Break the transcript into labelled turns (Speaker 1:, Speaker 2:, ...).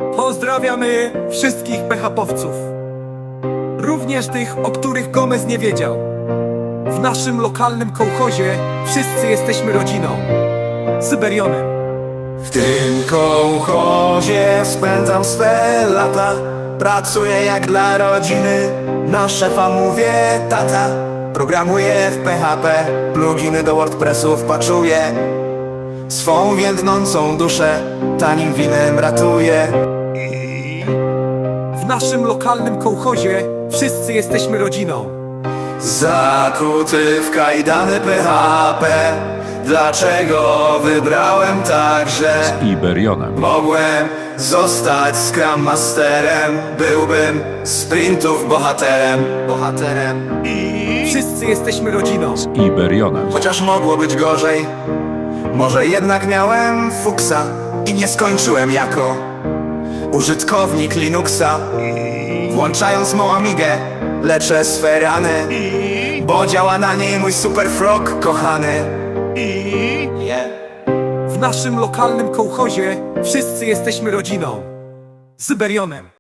Speaker 1: Pozdrawiamy wszystkich PHP-owców, również tych, o których Gomez nie wiedział. W naszym lokalnym kołchozie wszyscy jesteśmy rodziną, Syberionem.
Speaker 2: W tym kołchozie spędzam swe lata. Pracuję jak dla rodziny, na szefa mówię tata. Programuję w PHP, pluginy do WordPressu wpaczuję. Swą więdnącą duszę tanim winem ratuję.
Speaker 1: W naszym lokalnym kołchozie wszyscy jesteśmy rodziną.
Speaker 2: Zakuty w kajdany PHP, dlaczego wybrałem także
Speaker 3: Iberionem.
Speaker 2: Mogłem zostać Scrum Masterem, byłbym sprintów bohaterem.
Speaker 1: Wszyscy jesteśmy rodziną.
Speaker 3: Iberionem.
Speaker 2: Chociaż mogło być gorzej, może jednak miałem fuksa i nie skończyłem jako użytkownik Linuxa. Włączając mą Amigę, leczę swe rany, bo działa na niej mój super frog kochany.
Speaker 1: W naszym lokalnym kołchozie wszyscy jesteśmy rodziną, Syberionem.